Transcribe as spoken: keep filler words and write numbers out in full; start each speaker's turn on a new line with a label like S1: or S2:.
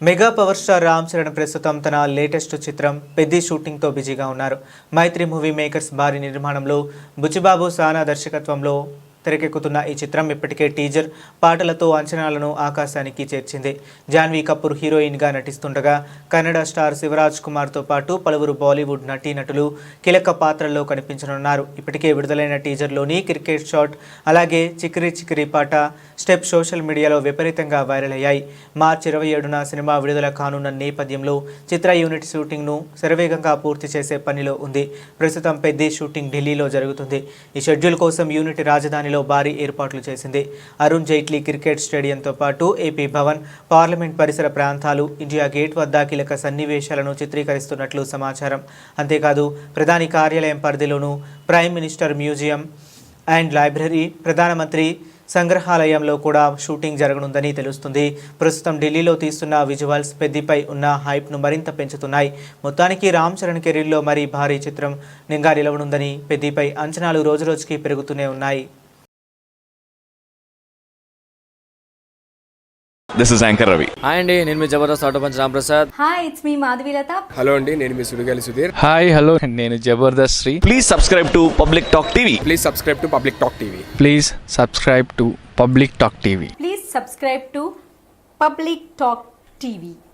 S1: Mega power star Ram Charan ప్రస్తుతం తన latest చిత్రం పెద్ది షూటింగ్తో బిజీగా ఉన్నారు. మైత్రి మూవీ మేకర్స్ భారీ నిర్మాణంలో బుచ్చిబాబు సానా దర్శకత్వంలో తెరకెక్కుతున్న ఈ చిత్రం ఇప్పటికే టీజర్ పాటలతో అంచనాలను ఆకాశానికి చేర్చింది. జాన్వీ కపూర్ హీరోయిన్గా నటిస్తుండగా కన్నడ స్టార్ శివరాజ్ కుమార్తో పాటు పలువురు బాలీవుడ్ నటీనటులు కీలక పాత్రల్లో కనిపించనున్నారు. ఇప్పటికే విడుదలైన టీజర్లోని క్రికెట్ షాట్ అలాగే చికిరి చికిరి పాట స్టెప్ సోషల్ మీడియాలో విపరీతంగా వైరల్ అయ్యాయి. మార్చి ఇరవై ఏడున సినిమా విడుదల కానున్న నేపథ్యంలో చిత్ర యూనిట్ షూటింగ్ను శరవేగంగా పూర్తి చేసే పనిలో ఉంది. ప్రస్తుతం పెద్ది షూటింగ్ ఢిల్లీలో జరుగుతుంది. ఈ షెడ్యూల్ కోసం యూనిట్ రాజధాని భారీ ఏర్పాట్లు చేసింది. అరుణ్ జైట్లీ క్రికెట్ స్టేడియంతో పాటు ఏపీ భవన్, పార్లమెంట్ పరిసర ప్రాంతాలు, ఇండియా గేట్ వద్ద కీలక సన్నివేశాలను చిత్రీకరిస్తున్నట్లు సమాచారం. అంతేకాదు ప్రధాని కార్యాలయం పరిధిలోనూ prime minister museum and library, ప్రధానమంత్రి సంగ్రహాలయంలో కూడా షూటింగ్ జరగనుందని తెలుస్తుంది. ప్రస్తుతం ఢిల్లీలో తీస్తున్న విజువల్స్ పెద్దిపై ఉన్న హైప్ను మరింత పెంచుతున్నాయి. మొత్తానికి రామ్ చరణ్ కెరీర్లో మరీ భారీ చిత్రం నింగా నిలవనుందని పెద్దిపై అంచనాలు రోజురోజుకి పెరుగుతూనే ఉన్నాయి.
S2: This is Anchor Ravi.
S3: Hi అండి, నేను మీ Jabardasth auto punch Ram Prasad.
S4: Hi, it's మీ మాధవీలత.
S5: హలో అండి, నేను మీ సుడిగాలి సుధీర్.
S6: హాయ్ హలో, నేను Jabardasth Sri.
S2: Please subscribe to Public Talk T V.
S5: Please subscribe to Public Talk TV.
S6: Please subscribe to Public Talk TV.
S4: Please subscribe to Public Talk TV.